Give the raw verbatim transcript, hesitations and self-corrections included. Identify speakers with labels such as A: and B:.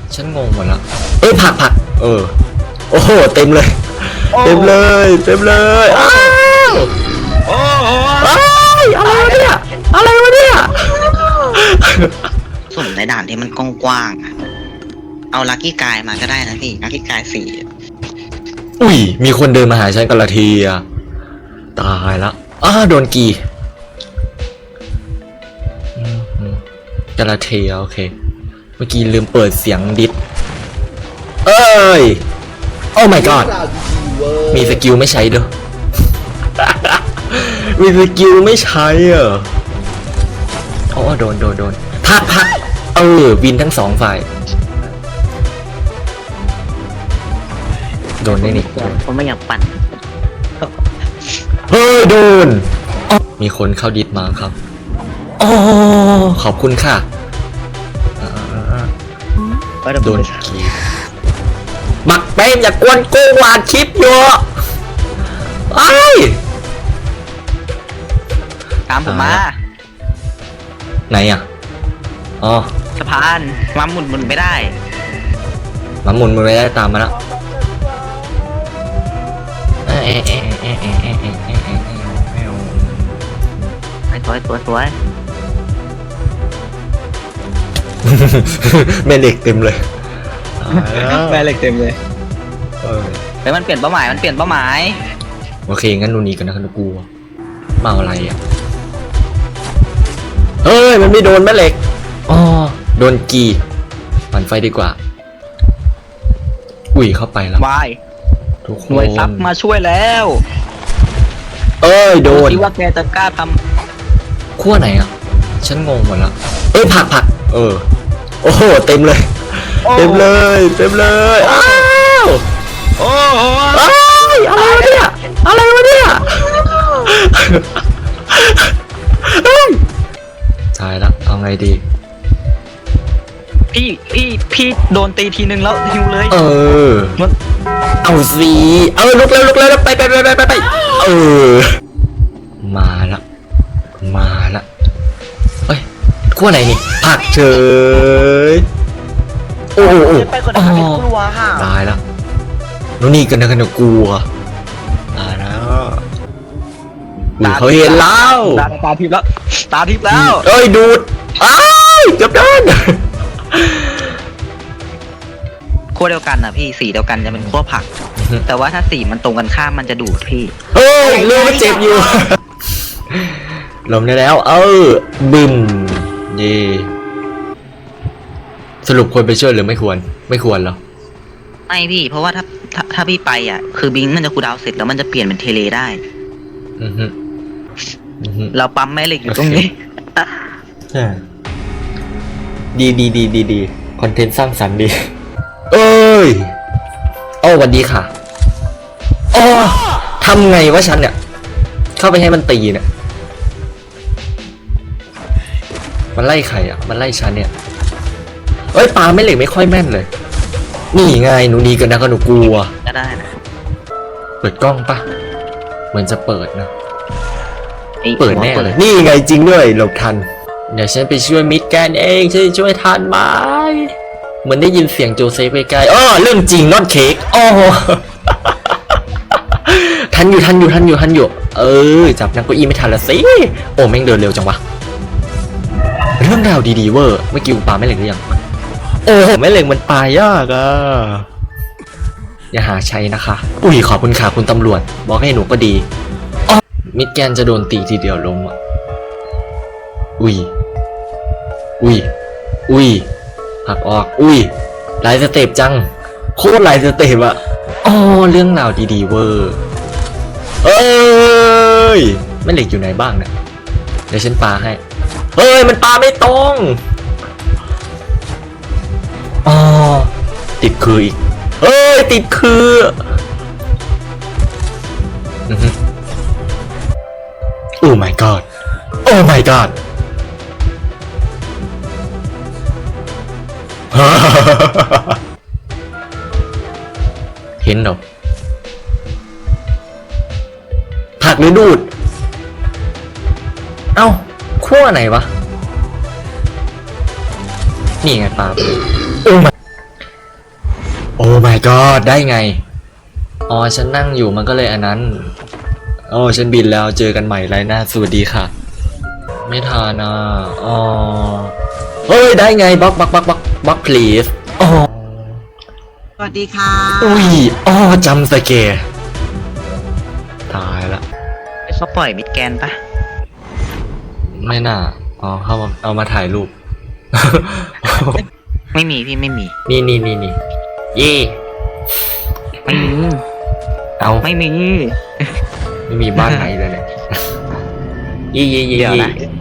A: ฉันงงหมดแล้วเอ้ยผักผักเออโอ้โหเต็มเลยเต็มเลยเต็มเลยอ้าวโอ้โหอะไรวะเนี่ยอะไรวะเนี่ย
B: ส่วนในด่านที่มันกว้างๆเอาลัคกี้กายมาก็ได้นะพี่ลัคกี้กายสี่
A: อุ้ยมีคนเดินมาหาฉันกันละทีอะตายละอ้าโดนกีกระเทียโอเคเมื่อกี้ลืมเปิดเสียงดิสเอ้ยโอ้ my god มีสกิลไม่ใช้ด้วย มีสกิลไม่ใช้เหรอโอ้โดนโดนโดนพักพักเออวินทั้งสองฝ่ายโดนได้นี่
B: ผมไม่อยากปั่น
A: เฮ้ยโดนมีคนเข้าดิสมาครับอ๋อขอบคุณค่ะโดนกีบักเป้มอย่ากวนกูวาดคลิปอยู่ไอ้
B: ตามผมมา
A: ไหนอ่ะอ๋อ
B: สะพานมาหมุนหมุนไม่ได้
A: มาหมุนมันไม่ได้ตามมาแล้ว
B: สวยสวยสวย
A: แม่เหล็กเต็มเลย
B: แม่เหล็กเต็มเลยเออเฮ้ยมันเปลี่ยนเป้าหมายมันเปลี่ยนเป้าหมาย
A: โอเคงั้นดูนี่กันนะครับกูมาอะไรอ่ะเฮ้ยมันไม่โดนแม่เหล็กอ๋อโดนกีปั่นไฟดีกว่าอุ้ยเข้าไปแล้ว
B: วาย
A: ทุกคน
B: หน่วยซับมาช่วยแล้ว
A: เอ้ยโดน
B: คิดว่าแกจะกล้าท
A: ำขั้วไหนอ่ะฉันงงหมดแล้วเอ้ยผักผักเออโอ้โหเต็มเลยเต็มเลยเต็มเลยอ้าวโอ้โหอะไรวะเนี่ยอะไรวะเนี่ยตายแล้วเอาไงดี
B: พี่พี่พี่โดนตีทีนึงแล้วฮิวเลย
A: เออเอาสิเออลุกแล้วลุกแล้วไปไปไปไปไปเออมาละมาละเฮ้ยขั้วไหนนี่ผักเฉยโอ้โหอ๋อตายแล้วนู่นนี่กันนะกันนะกลัวตายแล้วเขาเห็นแล้ว
B: ตาทิพย์แล้วตาทิพย์แล้ว
A: เอ้ยดูดอ้ายเกือบโดน
B: ขั้วเดียวกันนะพี่สีเดียวกันจะเป็นขั้วผักแต่ว่าถ้าสีมันตรงกันข้ามมันจะดูดพี่
A: เฮ้ยเรื่องมันเจ็บอยู่ลมได้แล้วเออบึมเย่สรุปควรไปช่วยหรือไม่ควรไม่ควรหรอ
B: ไม่พี่เพราะว่าถ้าถ้าถ้าพี่ไปอ่ะคือบิงมันจะคูลดาวน์เสร็จแล้วมันจะเปลี่ยนเป็นเทเลได้เราปั๊มแม่เหล็กอยู่ตรงนี้
A: ดีดีดีดีดีคอนเทนต์สร้างสรรค์ดีเอ้ยโอ้วันดีค่ะอ๋อทำไงวะฉันเนี่ยเข้าไปให้มันตีเนี่ยมันไล่ใครอ่ะมันไล่ฉันเนี่ยเอ้ยปลาไม่เหล็กไม่ค่อยแม่นเลยนี่ไงหนูดีกันนะก็หนูกลัว
B: ก็ได้นะ
A: เปิดกล้องปะเหมือนจะเปิดนะเปิดแน่เลยนี่ไงจริงด้วยหลบทันเดี๋ยวฉันไปช่วยมิดแกนเองฉันช่วยทันไหมเหมือนได้ยินเสียงโจเซฟไกลๆอ๋อเรื่องจริงนอตเค้กอ๋อทันอยู่ทันอยู่ทันอยู่ทันอยู่เออจับนางเก้าอี้ไม่ทันละสิโอ้แม่งเดินเร็วจังวะเรื่องราวดีๆเวอร์เมื่อกี้กูปาไม่เหล็กหรือยังโอ้ไม่เหล็กมันปายากอ่ะอย่าหาใช้นะคะอุ้ยขอบคุณค่ะคุณตำรวจบอกให้หนูก็ดีมิดแกนจะโดนตีทีเดียวล้มอ่ะอุ้ยอุ้ยอุ้ยหักออกอุ้ยหลายสเต็ปจังโคตรหลายสเต็ปอ่ะอ๋อเรื่องราวดีๆเวอร์เอ้ยไม่เหล็กอยู่ไหนบ้างเนี่ยเดี๋ยวฉันปาให้เฮ้ยมันปาไม่ตรงอ๋อติดคืออีกเฮ้ยติดคือโอ้ my god โอ้ my god เห็นเหรอผักหรือดูดเอ้าขั้วไหนวะนี่ไงปลาไปโอ้ my god ได้ไงอ๋อฉันนั่งอยู่มันก็เลยอันนั้นโอ้ฉันบินแล้วเจอกันใหม่ไรหน้าสวัสดีค่ะไม่ทานอ่ะอ๋อเฮ้ยได้ไงบล็อกบล็อกบล็อกบล็อกบล็อก please อ๋อ
C: สวัสดีค่ะ
A: อุ้ยอ๋อจำสเกร์ตายละ
B: เขาปล่อยมิดแกนปะ
A: ไม่น่าอ๋อเข้ามาเอามาถ่ายรูป
B: ไม่มีพี่ไม่มี
A: นี่นี่นี่นี่เย่
B: ไม่มี
A: เอา
B: ไม่มี
A: ไม่มีบ้านไหนเลยเนี่ย เย่เย่เย่
B: เดี๋ยว
A: เย่
B: นะ